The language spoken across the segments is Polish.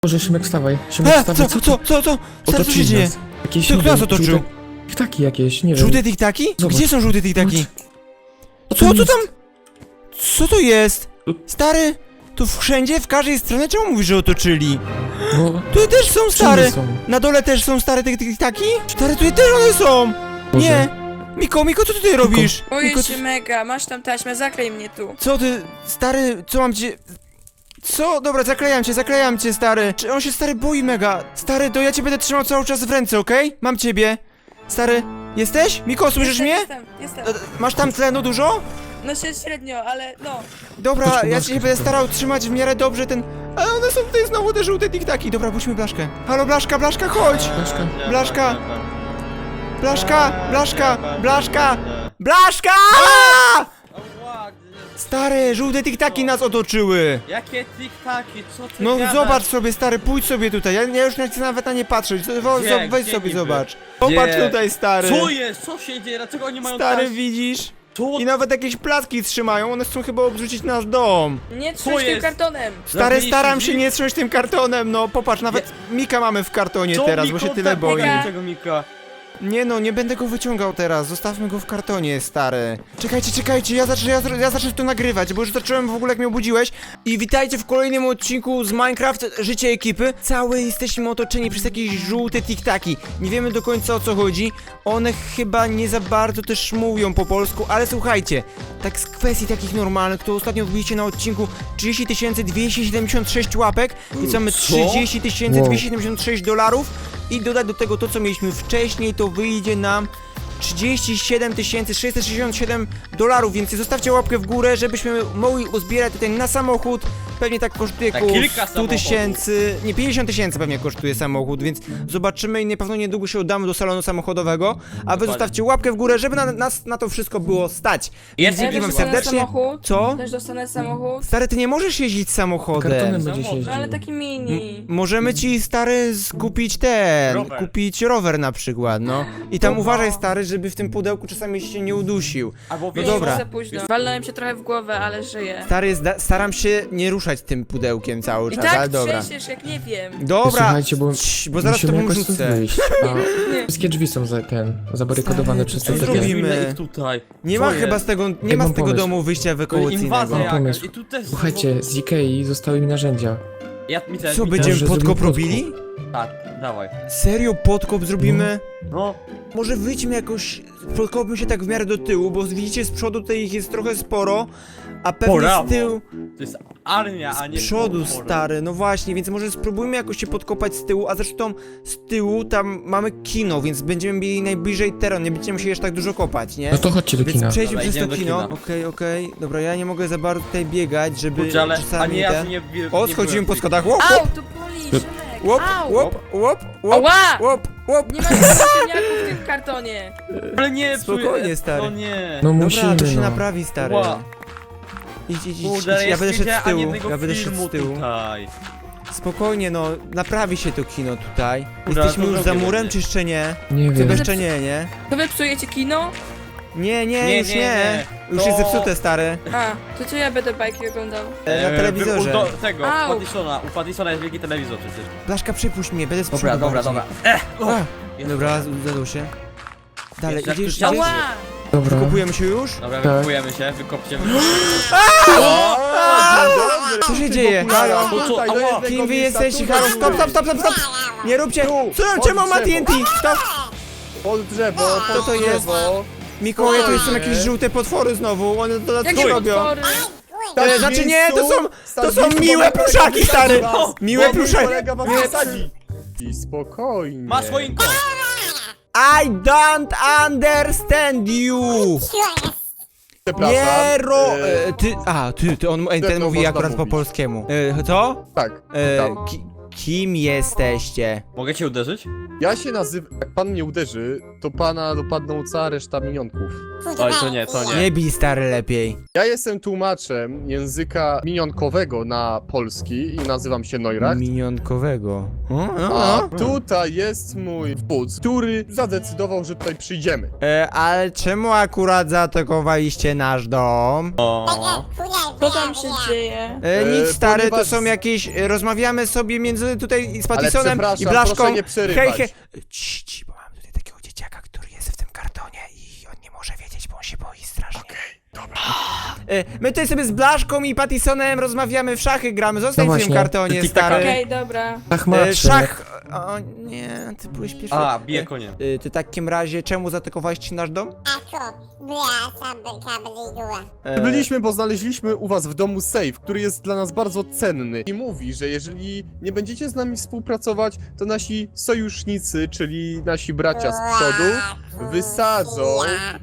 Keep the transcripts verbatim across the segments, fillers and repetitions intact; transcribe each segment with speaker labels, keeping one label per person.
Speaker 1: Boże, Szymek, wstawaj. Szymek,
Speaker 2: E,
Speaker 1: wstawaj.
Speaker 2: co, co, co, co? Stary, co się
Speaker 1: Otoczyli
Speaker 2: dzieje?
Speaker 1: nas. Jakieś,
Speaker 2: Co,
Speaker 1: nie
Speaker 2: kto nas
Speaker 1: wiem,
Speaker 2: otoczył?
Speaker 1: żółte Tiktaki jakieś, nie wiem.
Speaker 2: Żółte tiktaki?
Speaker 1: Zobacz.
Speaker 2: Gdzie są żółte tiktaki?
Speaker 1: Co
Speaker 2: Co,
Speaker 1: to
Speaker 2: co
Speaker 1: jest?
Speaker 2: tam? Co to jest?
Speaker 1: Tu-
Speaker 2: Stary, tu wszędzie, w każdej stronie, czemu mówisz, że otoczyli?
Speaker 1: No,
Speaker 2: Tu też są
Speaker 1: wszędzie
Speaker 2: stare.
Speaker 1: są.
Speaker 2: Na dole też są stare te tiktaki? Stary, tutaj też one są.
Speaker 1: Boże.
Speaker 2: Nie. Miko, Miko, co ty tutaj robisz?
Speaker 3: Boję
Speaker 2: Miko,
Speaker 3: się
Speaker 2: co-
Speaker 3: mega, masz tam taśmę, zaklej mnie tu.
Speaker 2: Co ty, stary, co mam cię... Co? Dobra, zaklejam cię, zaklejam cię, stary. Czy on się, stary, boi mega? Stary, to ja cię będę trzymał cały czas w ręce, okej? Mam ciebie. Stary, jesteś? Miko, słyszysz
Speaker 3: jestem,
Speaker 2: mnie?
Speaker 3: Jestem, jestem.
Speaker 2: E, Masz tam tlenu dużo?
Speaker 3: No się średnio, ale no.
Speaker 2: Dobra,
Speaker 1: Chodź po
Speaker 2: ja
Speaker 1: blaszkę
Speaker 2: się będę
Speaker 1: szybko.
Speaker 2: starał trzymać w miarę dobrze ten... Ale one są tutaj znowu te żółte tiktaki. Dobra, puśćmy Blaszkę. Halo, Blaszka, Blaszka, chodź!
Speaker 1: Blaszka.
Speaker 2: Blaszka! Blaszka, Blaszka, Blaszka! Blaszka! Stary, żółte tiktaki nas otoczyły!
Speaker 4: Jakie tiktaki, co ty
Speaker 2: No
Speaker 4: gadasz?
Speaker 2: zobacz sobie, stary, pójdź sobie tutaj. Ja, ja już nie chcę nawet na nie patrzeć. Wo-
Speaker 4: Gdzie?
Speaker 2: zo- Weź
Speaker 4: Gdzie
Speaker 2: sobie,
Speaker 4: niby?
Speaker 2: zobacz. Popatrz
Speaker 4: Gdzie?
Speaker 2: tutaj, stary.
Speaker 4: Co jest? Co się dzieje? Dlaczego oni mają
Speaker 2: Stary,
Speaker 4: taś-
Speaker 2: widzisz?
Speaker 4: Co?
Speaker 2: I nawet jakieś placki trzymają. One chcą chyba obrzucić nasz dom.
Speaker 3: Nie
Speaker 4: Co
Speaker 3: trzyj tym
Speaker 4: jest?
Speaker 3: kartonem.
Speaker 2: Stary,
Speaker 4: Zabiliście
Speaker 2: staram się
Speaker 4: drzwi?
Speaker 2: nie trząść tym kartonem, no popatrz, nawet Mika mamy w kartonie
Speaker 4: Co,
Speaker 2: teraz,
Speaker 4: Miko,
Speaker 2: bo się tyle
Speaker 4: tak,
Speaker 2: boi.
Speaker 3: Mika?
Speaker 4: Tego Mika.
Speaker 2: Nie no, nie będę go wyciągał teraz, zostawmy go w kartonie, stary. Czekajcie, czekajcie, ja zacznę, ja, ja zacznę to nagrywać, bo już zacząłem w ogóle jak mnie obudziłeś. I witajcie w kolejnym odcinku z Minecraft Życie Ekipy. Całe jesteśmy otoczeni przez jakieś żółte tiktaki. Nie wiemy do końca o co chodzi. One chyba nie za bardzo też mówią po polsku, ale słuchajcie, tak z kwestii takich normalnych, to ostatnio wbiliście na odcinku trzydzieści tysięcy dwieście siedemdziesiąt sześć łapek, więc mamy
Speaker 4: Co?
Speaker 2: trzydzieści tysięcy
Speaker 1: Wow.
Speaker 2: dwieście siedemdziesiąt sześć dolarów. I dodać do tego to, co mieliśmy wcześniej, to wyjdzie nam trzydzieści siedem tysięcy sześćset sześćdziesiąt siedem dolarów, więc zostawcie łapkę w górę, żebyśmy mogli uzbierać tutaj na samochód. Pewnie tak kosztuje
Speaker 4: Na
Speaker 2: około
Speaker 4: kilka
Speaker 2: sto tysięcy, nie, pięćdziesiąt tysięcy pewnie kosztuje samochód, więc zobaczymy i na pewno niedługo się udamy do salonu samochodowego, a wy
Speaker 4: Dokładnie.
Speaker 2: zostawcie łapkę w górę, żeby na, nas na to wszystko było stać.
Speaker 4: Jest
Speaker 2: Dzięki
Speaker 3: Ja
Speaker 2: wam
Speaker 3: też dostanę
Speaker 2: serdecznie.
Speaker 3: samochód.
Speaker 2: Co?
Speaker 3: Też dostanę samochód.
Speaker 2: Stary, ty nie możesz jeździć samochodem.
Speaker 1: Kartonem będzie się
Speaker 4: Samochód.
Speaker 3: No ale
Speaker 1: jeździł.
Speaker 3: taki mini.
Speaker 2: Możemy ci, stary, skupić ten,
Speaker 4: Rower.
Speaker 2: kupić rower na przykład, no. I tam
Speaker 3: Dobra.
Speaker 2: uważaj, stary, żeby w tym pudełku czasami się nie udusił.
Speaker 4: Albo
Speaker 2: No
Speaker 4: wiesz,
Speaker 3: Nie,
Speaker 2: dobra.
Speaker 3: za późno. Walnąłem się trochę w głowę, ale żyję.
Speaker 2: Stary, zda- staram się nie ruszać tym pudełkiem cały
Speaker 3: I
Speaker 2: czas, ale
Speaker 3: tak
Speaker 2: dobra.
Speaker 3: trzęsiesz, jak nie wiem.
Speaker 2: Dobra,
Speaker 1: Słuchajcie, bo
Speaker 2: Cii, bo zaraz to
Speaker 1: musimy jakoś
Speaker 2: wrzucę.
Speaker 1: stąd wyjść. A
Speaker 3: Nie.
Speaker 1: wszystkie drzwi są za ten, zabarykadowane
Speaker 2: Stary,
Speaker 1: przez
Speaker 2: co
Speaker 1: te
Speaker 2: zrobimy?
Speaker 1: takie.
Speaker 2: zrobimy?
Speaker 4: ich tutaj.
Speaker 2: Nie
Speaker 4: Co
Speaker 2: ma
Speaker 4: jest?
Speaker 2: chyba z tego, nie
Speaker 1: Ej,
Speaker 2: ma
Speaker 1: mam
Speaker 2: z tego
Speaker 1: pomysł.
Speaker 2: domu wyjścia
Speaker 4: To
Speaker 2: ewakuacyjnego.
Speaker 4: inwazja
Speaker 1: Mam
Speaker 4: jakaś.
Speaker 1: pomysł.
Speaker 4: I tu też
Speaker 1: Słuchajcie, z Ikei zostały mi narzędzia.
Speaker 4: Ja, mi też,
Speaker 2: Co,
Speaker 4: mi
Speaker 2: będziemy
Speaker 1: że
Speaker 2: podkop
Speaker 1: zrobimy
Speaker 2: robili?
Speaker 4: Tak, dawaj.
Speaker 2: Serio, podkop zrobimy?
Speaker 4: No,
Speaker 2: Może wyjdźmy jakoś, podkopmy się tak w miarę do tyłu, bo widzicie z przodu tutaj ich jest trochę sporo, a pewnie
Speaker 4: Brawo.
Speaker 2: z tyłu...
Speaker 4: to jest armia, a
Speaker 2: Z
Speaker 4: nie
Speaker 2: przodu,
Speaker 4: potwory.
Speaker 2: stary, no właśnie, więc może spróbujmy jakoś się podkopać z tyłu, a zresztą z tyłu tam mamy kino, więc będziemy mieli najbliżej teren, nie będziemy musieli aż tak dużo kopać, nie?
Speaker 1: No to chodźcie do
Speaker 2: Więc
Speaker 1: kina.
Speaker 2: przejdźmy
Speaker 4: Dobra,
Speaker 2: przez to
Speaker 4: idziemy do
Speaker 2: kino.
Speaker 4: kina.
Speaker 2: Okej, okej, dobra, ja nie mogę za bardzo tutaj biegać, żeby
Speaker 4: Kurczę, ale, a
Speaker 2: czasami
Speaker 4: nie, ja
Speaker 2: ten...
Speaker 4: tu nie, nie
Speaker 2: O,
Speaker 4: nie
Speaker 2: schodzimy
Speaker 4: byłem
Speaker 2: po
Speaker 4: w
Speaker 2: schodach, łop,
Speaker 3: Au,
Speaker 2: łop,
Speaker 3: tu boli, Szymek.
Speaker 2: łop,
Speaker 3: Au.
Speaker 2: łop, łop, łop,
Speaker 3: Ała!
Speaker 2: łop, łop.
Speaker 3: Nie ma ziemniaków w tym kartonie.
Speaker 4: Ale nie,
Speaker 2: Spokojnie,
Speaker 4: psuję-
Speaker 2: stary.
Speaker 4: No nie.
Speaker 1: No
Speaker 2: Dobra,
Speaker 1: musimy,
Speaker 2: to się
Speaker 1: no.
Speaker 2: naprawi, stary.
Speaker 4: Ła.
Speaker 2: Idź, idź, idź, idź,
Speaker 4: Kurde,
Speaker 2: ja
Speaker 4: jest
Speaker 2: będę szedł
Speaker 4: widziałem
Speaker 2: z tyłu,
Speaker 4: jednego
Speaker 2: ja będę szedł
Speaker 4: filmu
Speaker 2: z tyłu.
Speaker 4: Tutaj.
Speaker 2: Spokojnie, no, naprawi się to kino tutaj.
Speaker 4: Kurde,
Speaker 2: Jesteśmy
Speaker 4: to
Speaker 2: już za
Speaker 4: zrobię
Speaker 2: murem,
Speaker 4: będzie.
Speaker 2: czy jeszcze nie?
Speaker 1: Nie
Speaker 2: Chyba
Speaker 1: wiem.
Speaker 2: jeszcze nie, nie?
Speaker 3: To wy psujecie kino?
Speaker 2: Nie, nie,
Speaker 4: Nie,
Speaker 2: już
Speaker 4: nie,
Speaker 2: nie.
Speaker 4: nie.
Speaker 2: Już
Speaker 4: To-
Speaker 2: jest zepsute, stary.
Speaker 3: A, to co ja będę bajki oglądał?
Speaker 2: E, na telewizorze.
Speaker 4: U do, tego, u
Speaker 3: Au.
Speaker 4: Paddisona. U Paddisona jest wielki telewizor przecież.
Speaker 2: Blaszka, przypuść mnie, będę z
Speaker 4: Dobra,
Speaker 2: przodu
Speaker 4: dobra,
Speaker 2: bardziej.
Speaker 4: dobra. Ech, o,
Speaker 2: A, dobra, zadał się. Dalej,
Speaker 4: Jest, jak
Speaker 2: idziesz,
Speaker 4: tu
Speaker 2: idziesz?
Speaker 3: Ała!
Speaker 1: Dobra.
Speaker 2: Kupujemy się już?
Speaker 4: Dobra,
Speaker 1: Tak.
Speaker 4: wykupujemy się, wykopcie.
Speaker 2: Co się dzieje? Halo?
Speaker 4: No co, ała.
Speaker 2: Kim wy jesteście? Halo, stop, stop, stop, stop, stop! Nie róbcie! Co, czemu ma T N T? Stop!
Speaker 5: Pod drzewo,
Speaker 2: Co
Speaker 5: pod
Speaker 2: to jest?
Speaker 5: drzewo.
Speaker 2: Mikołaj, to są
Speaker 5: Spokojnie.
Speaker 2: jakieś żółte potwory znowu, one to na co
Speaker 3: Jakie
Speaker 2: robią?
Speaker 3: potwory?
Speaker 2: E, znaczy nie, to są, to są
Speaker 5: Stać
Speaker 2: miłe
Speaker 5: miejscu,
Speaker 2: pluszaki,
Speaker 5: kolega
Speaker 2: stary!
Speaker 5: was-
Speaker 2: Miłe
Speaker 5: Mój
Speaker 2: pluszaki!
Speaker 5: kolega was
Speaker 2: Miłe-
Speaker 5: wysadzi. I spokojnie.
Speaker 4: Masz choinko.
Speaker 2: I don't understand you!
Speaker 5: Przepraszam.
Speaker 2: Nie ro...
Speaker 5: e,
Speaker 2: E, ty... A, ty, ty on, ten
Speaker 5: to
Speaker 2: mówi
Speaker 5: można
Speaker 2: akurat po
Speaker 5: mówić.
Speaker 2: polskiemu. E, co?
Speaker 5: Tak,
Speaker 2: E,
Speaker 5: tam.
Speaker 2: ki, kim jesteście?
Speaker 4: Mogę cię uderzyć?
Speaker 5: Ja się nazywam, jak pan mnie uderzy, to pana dopadną cała reszta minionków.
Speaker 4: Oj, to nie, to nie.
Speaker 2: Nie bij, stary, lepiej.
Speaker 5: Ja jestem tłumaczem języka minionkowego na polski i nazywam się Neuracht.
Speaker 2: Minionkowego. O,
Speaker 5: A tutaj jest mój wódz, który zadecydował, że tutaj przyjdziemy.
Speaker 2: E, ale czemu akurat zaatakowaliście nasz dom?
Speaker 4: O.
Speaker 3: Co tam się dzieje?
Speaker 2: E,
Speaker 5: E,
Speaker 2: nic, stary, to
Speaker 5: ponieważ-
Speaker 2: są jakieś... e, Rozmawiamy sobie między tutaj z
Speaker 5: Ale
Speaker 2: Patisonem i
Speaker 5: przepraszam,
Speaker 2: Blaszką.
Speaker 5: proszę nie przerywać.
Speaker 2: Hej, hej. Cii, cii, bo mam tutaj takiego dzieciaka, który jest w tym kartonie i on nie może wiedzieć, bo on się boi strasznie. Okej, dobra. My tutaj sobie z Blaszką i Patisonem rozmawiamy w szachy, gramy. Zostań
Speaker 1: No
Speaker 2: w tym
Speaker 1: właśnie.
Speaker 2: kartonie,
Speaker 4: Tik-taka.
Speaker 2: stary.
Speaker 3: Okej, dobra.
Speaker 1: Ach,
Speaker 2: E,
Speaker 1: macie.
Speaker 2: szach... O nie, ty byłeś pierwszy.
Speaker 4: A, bije konie.
Speaker 2: E, ty w takim razie, czemu zaatakowaliście nasz dom? E,
Speaker 5: Byliśmy, bo znaleźliśmy u was w domu safe, który jest dla nas bardzo cenny. I mówi, że jeżeli nie będziecie z nami współpracować, to nasi sojusznicy, czyli nasi bracia z przodu, wysadzą...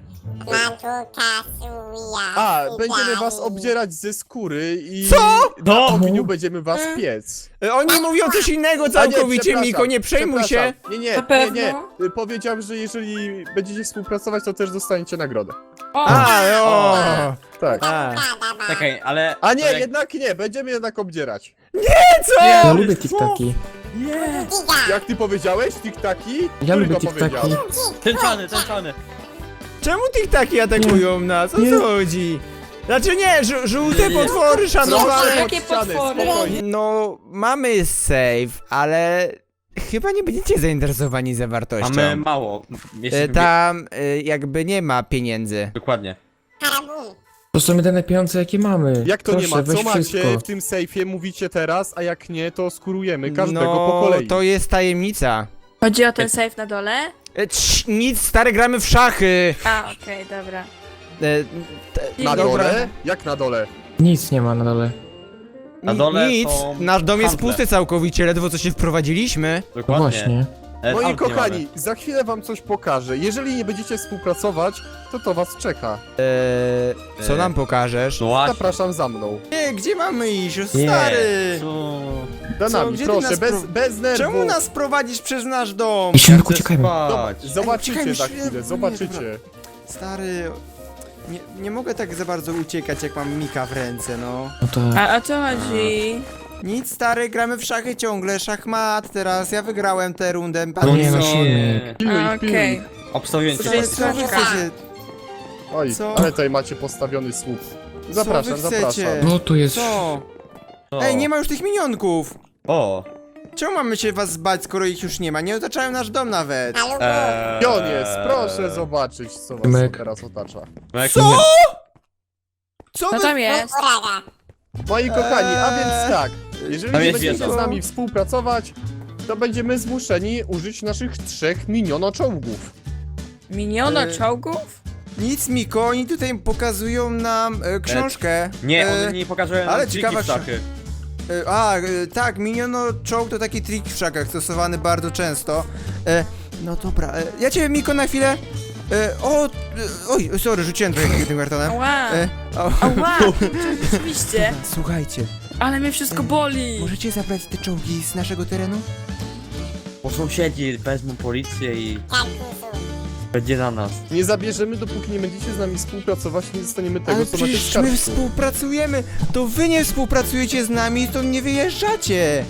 Speaker 5: A, będziemy was obdzierać ze skóry i
Speaker 2: Co?
Speaker 5: na
Speaker 4: No!
Speaker 5: ogniu będziemy was piec.
Speaker 2: E, Oni mówią coś innego
Speaker 5: A nie,
Speaker 2: całkowicie,
Speaker 5: przepraszam,
Speaker 2: Miko, nie przejmuj się.
Speaker 5: przepraszam. Nie, nie,
Speaker 3: Na
Speaker 5: nie,
Speaker 3: pewno?
Speaker 5: nie. Y, Powiedziałem, że jeżeli będziecie współpracować, to też dostaniecie nagrodę.
Speaker 3: O,
Speaker 2: A, o.
Speaker 5: Tak.
Speaker 2: A.
Speaker 4: Czekaj, ale...
Speaker 5: A nie,
Speaker 4: to jak-
Speaker 5: jednak nie, będziemy jednak obdzierać.
Speaker 2: Co?
Speaker 1: Ja
Speaker 4: ale
Speaker 1: lubię
Speaker 4: co?
Speaker 1: tiktaki.
Speaker 4: Nie!
Speaker 5: Jak ty powiedziałeś, tiktaki?
Speaker 1: Ja
Speaker 5: Który
Speaker 1: lubię
Speaker 5: to
Speaker 1: tiktaki.
Speaker 5: powiedział?
Speaker 4: Tęczany, tęczany.
Speaker 2: Czemu tiktaki atakują nas? O
Speaker 1: Nie.
Speaker 2: co chodzi? Znaczy nie, żu żółte
Speaker 4: Nie, nie.
Speaker 2: potwory szanowane.
Speaker 5: Proszę,
Speaker 3: jakie
Speaker 5: pod ścianę,
Speaker 3: potwory?
Speaker 5: spokojnie.
Speaker 2: No, mamy save, ale chyba nie będziecie zainteresowani zawartością.
Speaker 4: Mamy mało.
Speaker 2: E,
Speaker 4: Jesteśmy...
Speaker 2: Tam e, jakby nie ma pieniędzy.
Speaker 4: Dokładnie.
Speaker 1: To są jedyne pieniądze, jakie mamy.
Speaker 5: Jak to
Speaker 1: Proszę,
Speaker 5: nie ma?
Speaker 1: weź
Speaker 5: Co macie
Speaker 1: wszystko.
Speaker 5: w tym sejfie? Mówicie teraz, a jak nie, to skurujemy każdego
Speaker 2: No,
Speaker 5: po kolei.
Speaker 2: to jest tajemnica.
Speaker 3: chodzi o ten safe na dole?
Speaker 2: E, Cii, nic, stary, gramy w szachy.
Speaker 3: A, okej, dobra.
Speaker 2: E, t-
Speaker 5: Na
Speaker 2: dobra.
Speaker 5: dole? Jak na dole?
Speaker 1: Nic nie ma na dole.
Speaker 4: Na dole
Speaker 2: Nic,
Speaker 4: są
Speaker 2: nasz dom jest
Speaker 4: handle.
Speaker 2: pusty całkowicie, ledwo co się wprowadziliśmy.
Speaker 1: No
Speaker 4: Dokładnie.
Speaker 1: właśnie.
Speaker 4: E,
Speaker 5: Moi
Speaker 4: aut nie
Speaker 5: kochani, za chwilę wam coś pokażę. Jeżeli nie będziecie współpracować, to to was czeka.
Speaker 2: Eee, co
Speaker 4: Eee.
Speaker 2: nam pokażesz?
Speaker 4: No właśnie.
Speaker 5: Zapraszam za mną.
Speaker 2: Nie, gdzie mamy iść? O,
Speaker 1: Nie.
Speaker 2: stary!
Speaker 4: Co?
Speaker 5: Za
Speaker 2: Co,
Speaker 5: nami,
Speaker 2: gdzie ty
Speaker 5: proszę,
Speaker 2: nas
Speaker 5: bez,
Speaker 2: pro-
Speaker 5: bez nerwów.
Speaker 2: Czemu nas prowadzisz przez nasz dom?
Speaker 1: I szybko
Speaker 4: Chcę
Speaker 1: uciekajmy.
Speaker 4: spać.
Speaker 5: Zobaczycie
Speaker 2: czekaj,
Speaker 5: za
Speaker 2: myślę-
Speaker 5: chwilę,
Speaker 2: nie,
Speaker 5: zobaczycie.
Speaker 2: Stary, nie, nie mogę tak za bardzo uciekać, jak mam Mika w ręce, no.
Speaker 1: No to...
Speaker 3: A o co chodzi?
Speaker 2: Nic, stary, gramy w szachy ciągle, szachmat teraz, ja wygrałem tę rundę.
Speaker 1: No nie, no
Speaker 2: co?
Speaker 1: silnik.
Speaker 5: Pilnuj,
Speaker 3: A,
Speaker 5: pilnuj.
Speaker 3: okej.
Speaker 4: Obstawiłem cię.
Speaker 2: Co wy
Speaker 3: Wszystko.
Speaker 2: chcecie?
Speaker 5: Oj,
Speaker 2: Co?
Speaker 5: ale tutaj macie postawiony słup. Zapraszam,
Speaker 2: Co wy chcecie?
Speaker 5: zapraszam.
Speaker 1: No tu jest...
Speaker 2: Co?
Speaker 4: O.
Speaker 2: Ej, nie ma już tych minionków!
Speaker 4: O.
Speaker 2: Czemu mamy się was zbać, skoro ich już nie ma? Nie otaczają nasz dom nawet.
Speaker 4: Eee...
Speaker 5: Gdzie on jest? Proszę zobaczyć, co was
Speaker 1: Myk.
Speaker 5: teraz otacza.
Speaker 4: Jak
Speaker 2: Co?
Speaker 4: nie-
Speaker 2: Co
Speaker 3: No
Speaker 2: wy...
Speaker 3: tam jest.
Speaker 5: Moi kochani, a więc
Speaker 2: Eee.
Speaker 5: tak, jeżeli
Speaker 4: Tam
Speaker 5: nie
Speaker 4: jest
Speaker 5: będziecie
Speaker 4: wieża.
Speaker 5: z nami współpracować, to będziemy zmuszeni użyć naszych trzech minionoczołgów.
Speaker 3: Miniono
Speaker 2: E,
Speaker 3: czołgów?
Speaker 2: Nic, Miko, oni tutaj pokazują nam e, książkę.
Speaker 4: Nie,
Speaker 2: E,
Speaker 4: one nie pokażą
Speaker 2: ale
Speaker 4: ale
Speaker 2: ciekawa
Speaker 4: ciekawa szachy.
Speaker 2: e, A, e, tak, miniono czołg to taki trik w szachach, stosowany bardzo często. E, no dobra, e, ja ciebie, Miko, na chwilę... E, o, e, oj, sorry, rzuciłem trochę tym kartonem.
Speaker 3: Ała.
Speaker 2: E, o,
Speaker 3: Ała, rzeczywiście.
Speaker 2: Słuchajcie,
Speaker 3: Ale mnie wszystko boli.
Speaker 2: możecie zabrać te czołgi z naszego terenu?
Speaker 4: Bo sąsiedzi wezmą policję i będzie na nas.
Speaker 5: Nie zabierzemy, dopóki nie będziecie z nami współpracować, nie dostaniemy tego,
Speaker 2: Ale
Speaker 5: co macie w
Speaker 2: przecież my
Speaker 5: skarbcu.
Speaker 2: współpracujemy, to wy nie współpracujecie z nami, to nie wyjeżdżacie.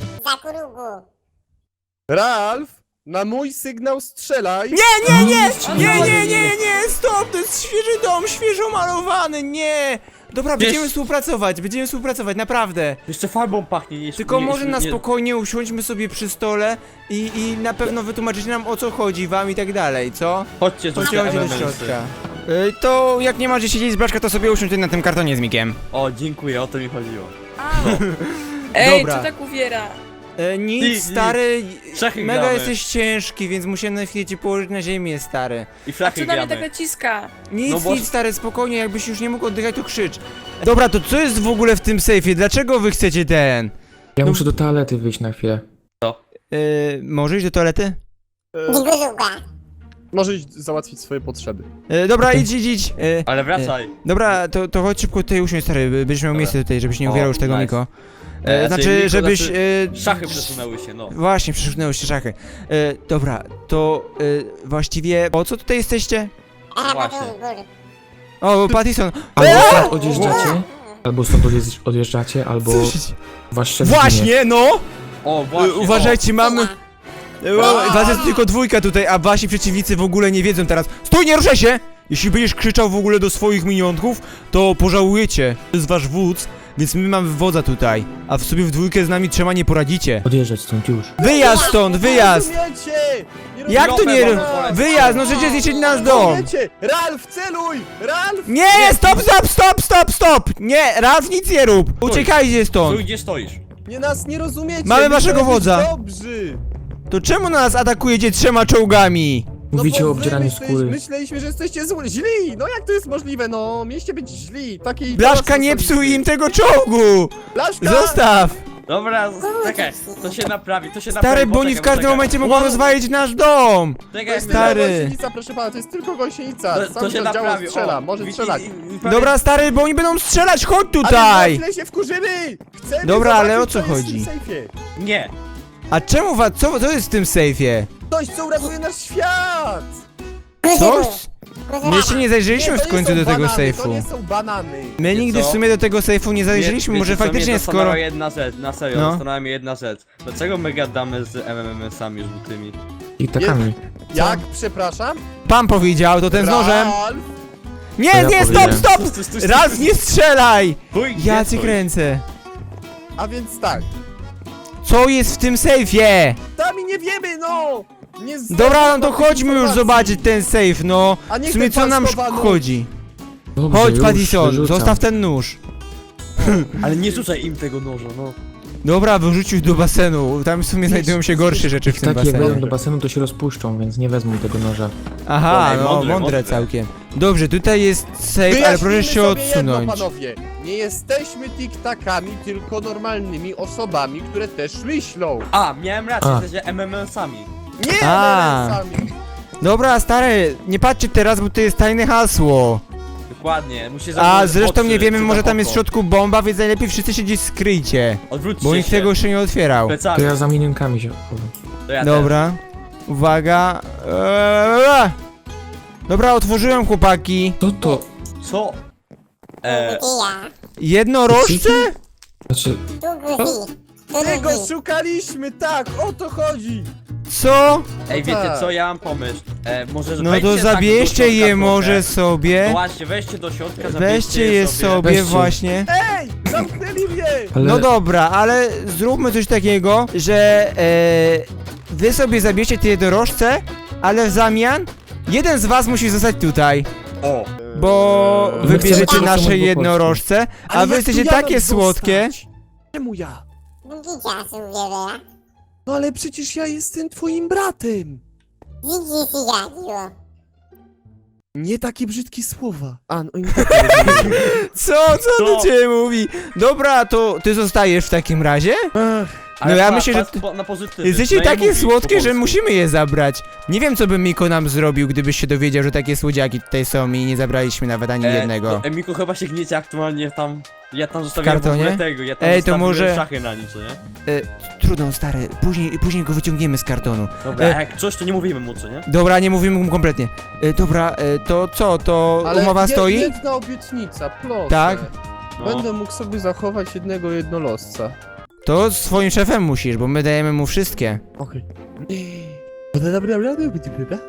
Speaker 5: Ralf, na mój sygnał strzelaj!
Speaker 2: Nie, nie, nie,
Speaker 3: On
Speaker 2: nie,
Speaker 3: chodzi.
Speaker 2: nie, nie, nie, stop, to jest świeży dom, świeżo malowany, nie. Dobra,
Speaker 4: Wiesz-
Speaker 2: będziemy współpracować, będziemy współpracować, naprawdę.
Speaker 4: Jeszcze farbą pachnie. Nie,
Speaker 2: Tylko
Speaker 4: nie,
Speaker 2: może na
Speaker 4: nie-
Speaker 2: spokojnie usiądźmy sobie przy stole i, i na pewno wytłumaczycie nam, o co chodzi wam i tak dalej, co?
Speaker 4: Chodźcie,
Speaker 2: Chodźcie,
Speaker 4: rzućcie
Speaker 2: chodźcie do
Speaker 4: elementy.
Speaker 2: środka. Y, to jak nie masz gdzie siedzieć z Blaszka, to sobie usiądź na tym kartonie z Mikiem.
Speaker 4: O, dziękuję, o to mi chodziło.
Speaker 3: Au. Ej,
Speaker 2: Dobra.
Speaker 3: co tak uwiera?
Speaker 2: E, nic,
Speaker 4: Nic,
Speaker 2: stary,
Speaker 4: Szachy
Speaker 2: mega
Speaker 4: gramy.
Speaker 2: jesteś ciężki, więc musiałem na chwilę cię położyć na ziemię, stary.
Speaker 4: I
Speaker 3: A
Speaker 4: flachy
Speaker 3: co na mnie tak
Speaker 4: gramy.
Speaker 3: naciska?
Speaker 2: Nic,
Speaker 4: No bo-
Speaker 2: nic, stary, spokojnie, jakbyś już nie mógł oddychać, to krzycz. Dobra, to co jest w ogóle w tym sejfie? Dlaczego wy chcecie ten?
Speaker 1: Ja
Speaker 2: No-
Speaker 1: muszę do toalety wyjść na chwilę.
Speaker 2: Yy, może iść do toalety?
Speaker 5: Może iść załatwić swoje potrzeby.
Speaker 2: Yy, dobra, idź, idź, idź. Yy,
Speaker 4: Ale wracaj.
Speaker 2: dobra, to, to chodź szybko tutaj usiądź, stary, by- będziesz miał
Speaker 4: Dobra.
Speaker 2: miejsce tutaj, żebyś nie
Speaker 4: O,
Speaker 2: uwierał już tego,
Speaker 4: nice.
Speaker 2: Miko. E,
Speaker 4: E,
Speaker 2: znaczy,
Speaker 4: czyli Niko,
Speaker 2: żebyś...
Speaker 4: znaczy,
Speaker 2: E,
Speaker 4: Szachy przesunęły się, no.
Speaker 2: Właśnie, przesunęły się szachy. E, dobra, to e, właściwie po co tutaj jesteście?
Speaker 4: Właśnie.
Speaker 2: O, Pattison.
Speaker 1: Albo
Speaker 2: Eee!
Speaker 1: stąd odjeżdżacie, albo stąd odjeżdż- odjeżdżacie, albo
Speaker 2: Co się-
Speaker 1: wasz szef zginie.
Speaker 2: Właśnie, no!
Speaker 4: O,
Speaker 2: E,
Speaker 4: właśnie.
Speaker 2: uważajcie, mamy... E, was jest tylko dwójka tutaj, a wasi przeciwnicy w ogóle nie wiedzą teraz. Stój, nie ruszaj się! Jeśli będziesz krzyczał w ogóle do swoich minionków, to pożałujecie. To jest wasz wódz, więc my mamy wodza tutaj. A w sobie w dwójkę z nami trzema nie poradzicie.
Speaker 1: Odjeżdżać stąd już.
Speaker 2: Wyjazd stąd, wyjazd!
Speaker 5: Nie rozumiecie! Nie
Speaker 2: Jak to nie...
Speaker 5: rozumiecie!
Speaker 2: Wyjazd, no przecież zniszczyć nasz dom!
Speaker 5: Rozumiecie? Ralf, celuj! Ralf!
Speaker 2: Nie, stop, stop, stop, stop, stop! Nie, Ralf, nic nie rób! Uciekajcie stąd!
Speaker 4: Tu gdzie stoisz?
Speaker 5: Nie nas nie rozumiecie!
Speaker 2: Mamy
Speaker 5: my
Speaker 2: waszego
Speaker 5: chcemy być
Speaker 2: wodza.
Speaker 5: Dobrzy!
Speaker 2: To czemu nas atakujecie trzema czołgami?
Speaker 1: Mówicie
Speaker 5: bo
Speaker 1: o
Speaker 5: wy
Speaker 1: obdzieraniu
Speaker 5: myśleliśmy-
Speaker 1: skóry.
Speaker 5: Myśleliśmy, że jesteście zły, źli! No jak to jest możliwe, no? Mieliście być źli, takiej...
Speaker 2: Blaszka, nie psuj im tego czołgu!
Speaker 5: Blaszka!
Speaker 2: Zostaw!
Speaker 4: Dobra, czekaj, to się naprawi, to się naprawi.
Speaker 2: Stary, bo oni w
Speaker 4: poczekaj,
Speaker 2: każdym
Speaker 4: poczekaj.
Speaker 2: momencie mogą rozwalić nasz dom!
Speaker 5: To
Speaker 4: Czekaj,
Speaker 5: jest
Speaker 2: Stary.
Speaker 5: tylko gąsienica, proszę pana, to jest tylko gąsienica.
Speaker 4: To,
Speaker 5: Sam
Speaker 4: to się
Speaker 5: to działa,
Speaker 4: naprawi.
Speaker 5: strzela,
Speaker 4: o,
Speaker 5: może
Speaker 4: i-
Speaker 5: strzelać.
Speaker 4: i- i- i-
Speaker 2: Dobra, stary, bo oni będą strzelać, chodź
Speaker 5: Ale
Speaker 2: tutaj!
Speaker 5: na chwilę się wkurzymy! Chcemy
Speaker 2: Dobra, ale
Speaker 5: zobaczyć,
Speaker 2: o co
Speaker 5: jest w
Speaker 2: chodzi?
Speaker 5: tym sejfie.
Speaker 4: Nie.
Speaker 2: A czemu was, co, co jest w tym sejfie?
Speaker 5: Coś, co uratuje nasz świat!
Speaker 2: Coś? My jeszcze nie zajrzeliśmy
Speaker 5: Nie, to
Speaker 2: w
Speaker 5: nie
Speaker 2: końcu
Speaker 5: są
Speaker 2: do tego
Speaker 5: banany, To
Speaker 2: sejfu.
Speaker 5: nie są banany.
Speaker 2: My
Speaker 4: Wiecie
Speaker 2: nigdy w
Speaker 4: co?
Speaker 2: sumie do tego sejfu nie zajrzeliśmy,
Speaker 4: Wie-
Speaker 2: może
Speaker 4: wiecie co,
Speaker 2: faktycznie
Speaker 4: mnie
Speaker 2: skoro...
Speaker 4: zastanawia jedna rzecz, na serio,
Speaker 2: No.
Speaker 4: zastanawia mnie jedna rzecz. Dlaczego my gadamy z M M M-sami żółtymi?
Speaker 1: I takami.
Speaker 5: Jak? Przepraszam?
Speaker 2: Pan powiedział, to ten z nożem.
Speaker 5: Ralf?
Speaker 2: Nie,
Speaker 1: To ja
Speaker 2: nie, stop,
Speaker 1: powiedziałem.
Speaker 2: stop!
Speaker 4: Stój, stój, stój,
Speaker 2: Raz
Speaker 4: stój,
Speaker 2: nie strzelaj!
Speaker 4: stój, gdzie
Speaker 2: Ja cię
Speaker 4: stoisz?
Speaker 2: kręcę.
Speaker 5: A więc tak.
Speaker 2: Co jest w tym sejfie?
Speaker 5: Sami nie wiemy, no! Nie znamy
Speaker 2: Dobra, no to
Speaker 5: żadnych
Speaker 2: chodźmy już
Speaker 5: informacji.
Speaker 2: zobaczyć ten sejf, no.
Speaker 5: A niech
Speaker 2: W sumie
Speaker 5: ten
Speaker 2: co
Speaker 5: pan
Speaker 2: nam
Speaker 5: schowa nóż.
Speaker 2: szkodzi?
Speaker 1: Dobrze,
Speaker 2: Chodź,
Speaker 1: już
Speaker 2: Pattison,
Speaker 1: wyrzucam.
Speaker 2: zostaw ten nóż.
Speaker 4: Ale nie rzucaj im tego noża, no.
Speaker 2: Dobra, wyrzucił do basenu. Tam w sumie znajdują się gorsze rzeczy w
Speaker 1: Ich
Speaker 2: tym
Speaker 1: tak jak wejdą do
Speaker 2: basenie.
Speaker 1: basenu, to się rozpuszczą, więc nie wezmą tego noża.
Speaker 2: Aha,
Speaker 4: Ej,
Speaker 2: no
Speaker 4: mądre,
Speaker 2: mądre
Speaker 4: mądre.
Speaker 2: całkiem. Dobrze, tutaj jest safe, ale
Speaker 5: Wyjaśnijmy
Speaker 2: proszę się
Speaker 5: sobie jedno,
Speaker 2: odsunąć.
Speaker 5: panowie. Nie jesteśmy tiktakami, tylko normalnymi osobami, które też myślą.
Speaker 4: A, miałem rację,
Speaker 1: A.
Speaker 4: jesteście M M M-sami.
Speaker 5: Nie
Speaker 2: A.
Speaker 5: sami.
Speaker 2: Dobra, stary, nie patrzcie teraz, bo to jest tajne hasło.
Speaker 4: Dokładnie, musisz
Speaker 2: A
Speaker 4: zamknąć
Speaker 2: zresztą
Speaker 4: oczy,
Speaker 2: nie wiemy,
Speaker 4: czy
Speaker 2: może
Speaker 4: na
Speaker 2: tam jest w
Speaker 4: oko.
Speaker 2: środku bomba, więc najlepiej wszyscy się gdzieś skryjcie.
Speaker 4: Odwróćcie
Speaker 2: Bo nikt
Speaker 4: się.
Speaker 2: tego jeszcze nie otwierał.
Speaker 1: To
Speaker 4: Plecami.
Speaker 1: ja za minionkami się chowam.
Speaker 4: To ja
Speaker 2: Dobra. Uwaga. Eee. Dobra, otworzyłem chłopaki.
Speaker 1: Co to?
Speaker 4: też. Co? E,
Speaker 2: Jednorożce?
Speaker 1: Znaczy,
Speaker 5: Tego szukaliśmy, tak, o to chodzi.
Speaker 2: Co?
Speaker 4: ej, wiecie
Speaker 5: tak.
Speaker 4: co, ja mam pomysł. E, może
Speaker 2: No
Speaker 4: wejdźcie
Speaker 2: to
Speaker 4: tak do
Speaker 2: zabierzcie
Speaker 4: środka
Speaker 2: je
Speaker 4: trochę.
Speaker 2: może
Speaker 4: No
Speaker 2: sobie.
Speaker 4: właśnie, weźcie do środka, zabierzcie
Speaker 2: Weźcie je sobie
Speaker 1: Weźcie.
Speaker 2: właśnie.
Speaker 5: Ej, zamknęli mnie.
Speaker 1: ale...
Speaker 2: No dobra, ale zróbmy coś takiego, że e, wy sobie zabierzcie te jednorożce, ale w zamian jeden z was musi zostać tutaj.
Speaker 4: O,
Speaker 2: Bo
Speaker 1: My
Speaker 2: wybierzecie
Speaker 1: chcemy
Speaker 2: nasze
Speaker 1: tylko
Speaker 2: jednorożce, a
Speaker 5: Ale
Speaker 2: wy
Speaker 5: jak
Speaker 2: jesteście
Speaker 5: tu ja mam
Speaker 2: takie słodkie.
Speaker 5: zostać? Czemu ja? No ale przecież ja jestem twoim bratem. Nie takie brzydkie słowa. A, no i nie takie rozumiem.
Speaker 2: Co, co do
Speaker 4: Co?
Speaker 2: ciebie mówi? Dobra, to ty zostajesz w takim razie?
Speaker 5: Ach,
Speaker 2: No ja myślę, że
Speaker 4: po, na pozytywy.
Speaker 2: Jesteście
Speaker 4: No ja
Speaker 2: takie
Speaker 4: mówię po
Speaker 2: słodkie, że
Speaker 4: polsku.
Speaker 2: musimy je zabrać. Nie wiem, co by Miko nam zrobił, gdybyś się dowiedział, że takie słodziaki tutaj są i nie zabraliśmy nawet ani jednego.
Speaker 4: To Emiku chyba się gniecie aktualnie tam. Ja tam zostawiłem w
Speaker 2: kartonie?
Speaker 4: ogóle tego, ja tam
Speaker 2: Ej, to
Speaker 4: zostawiłem
Speaker 2: może-
Speaker 4: szachy na nic, nie?
Speaker 2: E, trudno, stary, później, później go wyciągniemy z kartonu.
Speaker 4: Dobra,
Speaker 2: E.
Speaker 4: jak coś to nie mówimy mu, co nie?
Speaker 2: Dobra, nie mówimy mu kompletnie. E, dobra, e, to co, to
Speaker 5: ale
Speaker 2: umowa
Speaker 5: je-
Speaker 2: stoi?
Speaker 5: jedna obietnica, proszę.
Speaker 2: Tak?
Speaker 4: No.
Speaker 5: Będę mógł sobie zachować jednego jednolosca.
Speaker 2: To z swoim szefem musisz, bo my dajemy mu wszystkie.
Speaker 5: Okej. Dobra, dobra, dobra, dobra, dobra.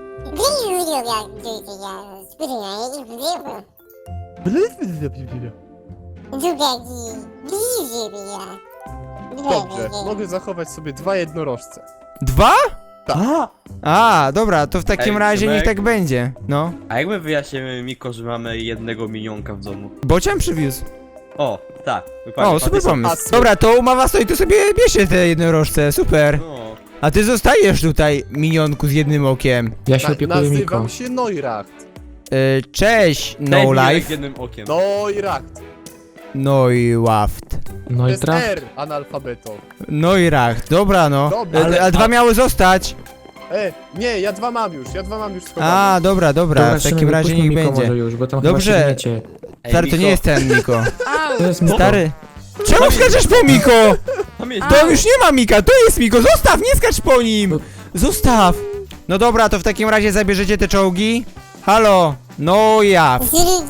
Speaker 5: Dobrze, mogę zachować sobie dwa jednorożce.
Speaker 2: Dwa?
Speaker 4: A!
Speaker 2: A, dobra, to w takim
Speaker 4: Ej,
Speaker 2: razie niech
Speaker 4: Szymek.
Speaker 2: tak będzie. No.
Speaker 4: A jak my wyjaśnimy Miko, że mamy jednego minionka w domu?
Speaker 2: Bocian przywiózł.
Speaker 4: O, tak, dokładnie.
Speaker 2: O, super
Speaker 4: Patyson.
Speaker 2: pomysł.
Speaker 5: asy.
Speaker 2: Dobra, to umowa stoi, to sobie bierzcie te jednorożce, super.
Speaker 4: No.
Speaker 2: A ty zostajesz tutaj, minionku z jednym okiem.
Speaker 1: Ja się
Speaker 5: Na,
Speaker 1: opiekuję Miko.
Speaker 5: nazywam się Neuracht.
Speaker 2: E, cześć,
Speaker 4: Daj
Speaker 2: no
Speaker 4: mi jak
Speaker 2: life.
Speaker 4: jednym okiem.
Speaker 5: Neuracht.
Speaker 2: Neuwaft.
Speaker 1: No
Speaker 5: To
Speaker 1: i
Speaker 5: jest
Speaker 1: traf.
Speaker 5: R, analfabeto.
Speaker 2: Neuracht, dobra no.
Speaker 5: Dobra,
Speaker 2: E,
Speaker 4: ale-
Speaker 2: a dwa
Speaker 4: a-
Speaker 2: miały zostać.
Speaker 5: E, nie, ja dwa mam już, ja dwa mam już schowane.
Speaker 2: A, dobra, dobra,
Speaker 1: Dobra,
Speaker 2: w takim
Speaker 1: Szymek,
Speaker 2: razie
Speaker 1: wypuśćmy
Speaker 2: niech
Speaker 1: Miko
Speaker 2: będzie.
Speaker 1: może już, bo tam
Speaker 2: Dobrze.
Speaker 1: chyba się gniecie.
Speaker 4: Ej,
Speaker 2: Stary, to
Speaker 4: Miko,
Speaker 2: nie jest ten Niko.
Speaker 1: To
Speaker 3: Au!
Speaker 1: jest Miko.
Speaker 2: Stary, Czemu skaczesz po Miko?
Speaker 4: Tam jest...
Speaker 2: To już nie ma Mika, to jest Miko, zostaw, nie skacz po nim! Zostaw! No dobra, to w takim razie zabierzecie te czołgi? Halo? No ja.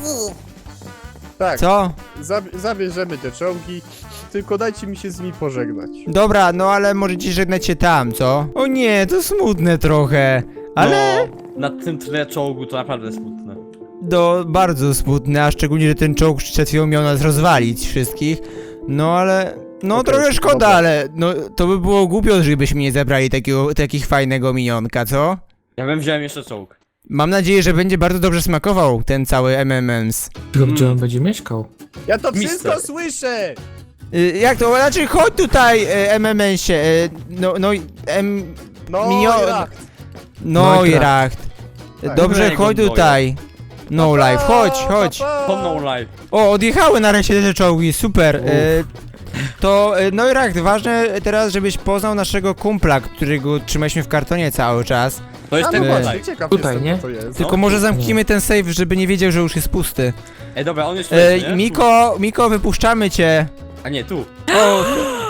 Speaker 5: Tak,
Speaker 2: Co?
Speaker 5: zab zabierzemy te czołgi, tylko dajcie mi się z nimi pożegnać.
Speaker 2: Dobra, no ale możecie żegnać się tam, co? O nie, to smutne trochę. Ale...
Speaker 4: No, na tym tle czołgu to naprawdę smutne.
Speaker 2: Do bardzo smutne, a szczególnie, że ten czołg przed chwilą miał nas rozwalić wszystkich. No ale... No
Speaker 5: Okej,
Speaker 2: trochę szkoda,
Speaker 5: dobra.
Speaker 2: ale... No to by było głupio, żebyśmy nie zabrali takiego, takich fajnego minionka, co?
Speaker 4: Ja bym wziąłem jeszcze czołg.
Speaker 2: Mam nadzieję, że będzie bardzo dobrze smakował ten cały M M Ms.
Speaker 1: Tylko gdzie on będzie mieszkał?
Speaker 5: Ja to
Speaker 4: Mister.
Speaker 5: wszystko słyszę!
Speaker 2: Y, jak to? Znaczy chodź tutaj, y, M M S-ie, y, no, no, em,
Speaker 5: No,
Speaker 2: Minio-
Speaker 5: Irak.
Speaker 2: no i
Speaker 1: Racht.
Speaker 2: racht.
Speaker 5: Tak.
Speaker 2: Dobrze,
Speaker 4: Mojego
Speaker 2: chodź
Speaker 4: Noja.
Speaker 2: tutaj. No life, chodź, chodź.
Speaker 4: To no life.
Speaker 2: O, odjechały nareszcie te czołgi, super. Y, to, y, no i racht, ważne teraz, żebyś poznał naszego kumpla, którego trzymaliśmy w kartonie cały czas.
Speaker 4: To jest
Speaker 5: A
Speaker 4: ten
Speaker 5: no
Speaker 2: Ej.
Speaker 5: właśnie,
Speaker 4: tutaj.
Speaker 5: ciekaw
Speaker 1: Tutaj,
Speaker 5: jestem,
Speaker 1: nie?
Speaker 5: co to jest.
Speaker 2: Tylko
Speaker 4: No,
Speaker 2: może zamknijmy ten save, żeby nie wiedział, że już jest pusty.
Speaker 4: Ej, dobra, on jest
Speaker 2: E,
Speaker 4: tutaj, nie?
Speaker 2: Miko, Miko, wypuszczamy cię.
Speaker 4: A nie, tu.
Speaker 2: O,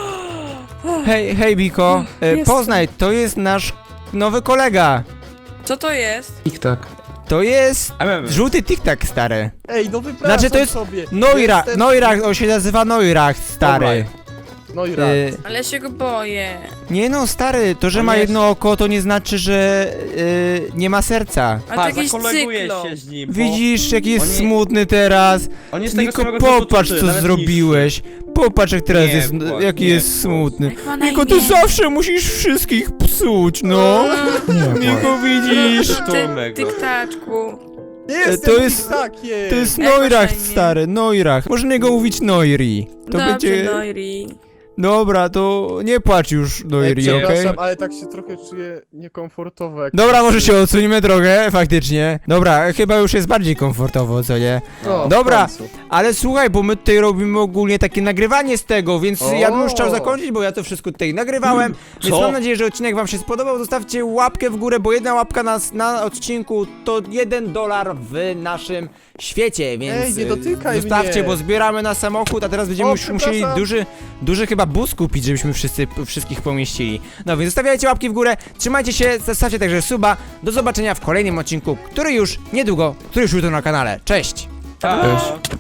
Speaker 2: hej, hej Miko, e,
Speaker 3: Jestem.
Speaker 2: poznaj, to jest nasz nowy kolega.
Speaker 3: Co to jest?
Speaker 1: Tik-tak.
Speaker 2: To jest
Speaker 4: M M.
Speaker 2: żółty tik-tak, stary.
Speaker 5: Ej, no wypraszam
Speaker 2: Znaczy, to jest
Speaker 5: sobie.
Speaker 2: Noirach,
Speaker 5: Jestem-
Speaker 2: Noirach, on się nazywa Noirach, stary.
Speaker 5: No i rak.
Speaker 2: E,
Speaker 3: Ale ja się go boję.
Speaker 2: nie no, stary, to, że
Speaker 4: On
Speaker 2: ma
Speaker 4: jest-
Speaker 2: jedno oko, to nie znaczy, że e, nie ma serca.
Speaker 3: A to
Speaker 4: Pa,
Speaker 3: jakiś
Speaker 4: zakoleguję
Speaker 3: cyklop.
Speaker 4: się z nim, bo
Speaker 2: Widzisz, jaki jest
Speaker 4: on nie-
Speaker 2: smutny teraz.
Speaker 4: on jest tego
Speaker 2: Miko,
Speaker 4: samego wzrostu,
Speaker 2: popatrz,
Speaker 4: ty,
Speaker 2: co
Speaker 4: nawet
Speaker 2: zrobiłeś. Popatrz, jak teraz
Speaker 4: Nie
Speaker 2: jest,
Speaker 4: płacz,
Speaker 2: jaki
Speaker 4: nie
Speaker 2: jest
Speaker 4: płacz.
Speaker 2: smutny.
Speaker 3: Jak ma na
Speaker 2: Miko, ty
Speaker 3: imię?
Speaker 2: zawsze musisz wszystkich psuć, no.
Speaker 1: Nie,
Speaker 2: Miko, widzisz?
Speaker 4: To
Speaker 3: Ty,
Speaker 4: mego.
Speaker 3: tyktaczku.
Speaker 5: Jestem
Speaker 2: to jest-
Speaker 5: takie.
Speaker 2: To jest
Speaker 3: Jak masz
Speaker 2: Noirach,
Speaker 3: na imię?
Speaker 2: stary, Noirach. Można go mówić Noiri. To
Speaker 3: Dobrze,
Speaker 2: będzie...
Speaker 3: Noiri.
Speaker 2: Dobra, to nie płacz już, Noiri,
Speaker 5: Ej,
Speaker 2: okej?
Speaker 5: przepraszam, ale tak się trochę czuję niekomfortowo. Jak
Speaker 2: Dobra, może się odsuniemy trochę, faktycznie. Dobra, chyba już jest bardziej komfortowo, co nie?
Speaker 5: No, w
Speaker 2: Dobra.
Speaker 5: końcu.
Speaker 2: Ale słuchaj, bo my tutaj robimy ogólnie takie nagrywanie z tego, więc
Speaker 5: O.
Speaker 2: ja bym już chciał zakończyć, bo ja to wszystko tutaj nagrywałem. Więc
Speaker 4: Co?
Speaker 2: mam nadzieję, że odcinek wam się spodobał. Zostawcie łapkę w górę, bo jedna łapka na, na odcinku to jeden dolar w naszym świecie, więc
Speaker 5: Ej, nie
Speaker 2: e,
Speaker 5: dotykaj
Speaker 2: zostawcie,
Speaker 5: mnie.
Speaker 2: bo zbieramy na samochód, a teraz będziemy
Speaker 5: O,
Speaker 2: już musieli
Speaker 5: przepraszam.
Speaker 2: duży, duży chyba bus kupić, żebyśmy wszyscy, wszystkich pomieścili. No więc zostawiajcie łapki w górę, trzymajcie się, zostawcie także suba. Do zobaczenia w kolejnym odcinku, który już niedługo, który już jutro na kanale. Cześć!
Speaker 4: Pa.
Speaker 1: Cześć.